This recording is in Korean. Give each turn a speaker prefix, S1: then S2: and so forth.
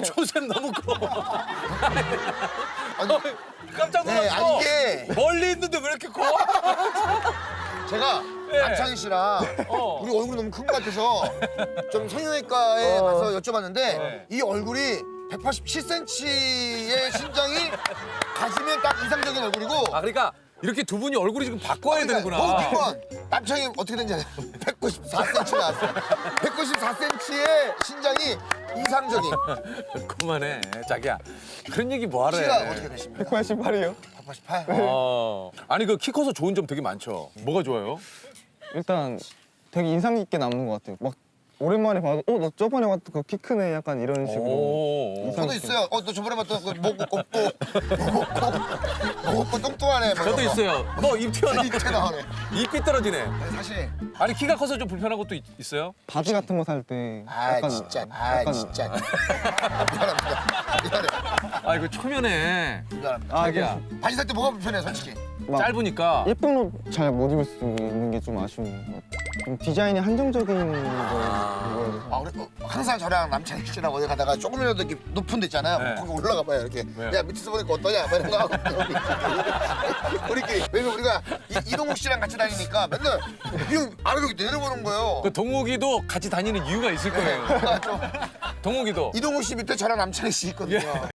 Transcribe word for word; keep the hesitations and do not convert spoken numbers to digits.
S1: 어, 조셉 너무 커.
S2: 아니,
S1: 깜짝
S2: 네,
S1: 놀랐어.
S2: 아니 이게
S1: 멀리 있는데 왜 이렇게 커?
S2: 제가
S1: 네.
S2: 남창희 씨랑
S1: 어.
S2: 우리 얼굴이 너무 큰 것 같아서 좀 성형외과에 가서 여쭤봤는데
S1: 네.
S2: 이 얼굴이 백팔십칠 센티미터의 신장이 가지면 딱 이상적인 얼굴이고
S1: 아, 그러니까 이렇게 두 분이 얼굴이 지금 바꿔야 되는구나.
S2: 더 웃긴 건 남창희 어떻게 된지 알아요? 백구십사 센티미터 나왔어요. 백구십사 센티미터의 신장이 이상적인.
S1: 그만해, 자기야. 그런 얘기 뭐하래.
S2: 키가 어떻게 되십니까?
S3: 백팔십팔이요.
S2: 백팔십팔.
S1: 어. 아니 그 키 커서 좋은 점 되게 많죠. 뭐가 좋아요?
S3: 일단 되게 인상 깊게 남는 것 같아요. 막 오랜만에 봐도 어, 나 저번에 봤던 그 키 크네 약간 이런 식으로.
S1: 오.
S3: 인상
S2: 저도
S3: 깊게.
S2: 있어요. 어, 너 저번에 봤던 그목 없고 목 없고 목 없고 뚱뚱하네. 뭐
S1: 저도
S2: 이런 거.
S1: 있어요. 너 입 튀어나.
S2: 입 튀어나오네.
S1: 입 삐뚤어지네.
S2: 아니, 사실
S1: 아니 키가 커서 좀 불편한 것도 있, 있어요?
S3: 바지 같은 거 살 때
S2: 아
S3: 약간
S2: 진짜 아
S3: 약간
S2: 진짜 미안합니다. 미안해.
S1: 아 이거 초면에
S2: 미안합니다.
S3: 아,
S1: 자기야
S2: 바지 살 때 뭐가 불편해 솔직히.
S3: 막
S1: 짧으니까
S3: 예쁜 옷 잘 못 입을 수 있는 게 좀 아쉬운 것 같아요. 좀 디자인이 한정적인 거.
S2: 아 우리 어, 항상 저랑 남창희 씨랑 어디 가다가 조금이라도 이렇게 높은 데 있잖아요.
S1: 네.
S2: 거기 올라가 봐요 이렇게.
S1: 왜요?
S2: 야 밑에서 보니까 어떠냐? 막 이런 거 하고 우리끼리. 왜냐면 우리가 이, 이동욱 씨랑 같이 다니니까 맨날 이 아래로 이렇게 내려보는 거예요.
S1: 그 동욱이도 같이 다니는 이유가 있을 거예요.
S2: 아, 좀
S1: 동욱이도
S2: 이동욱 씨 밑에 저랑 남창희 씨 있거든요.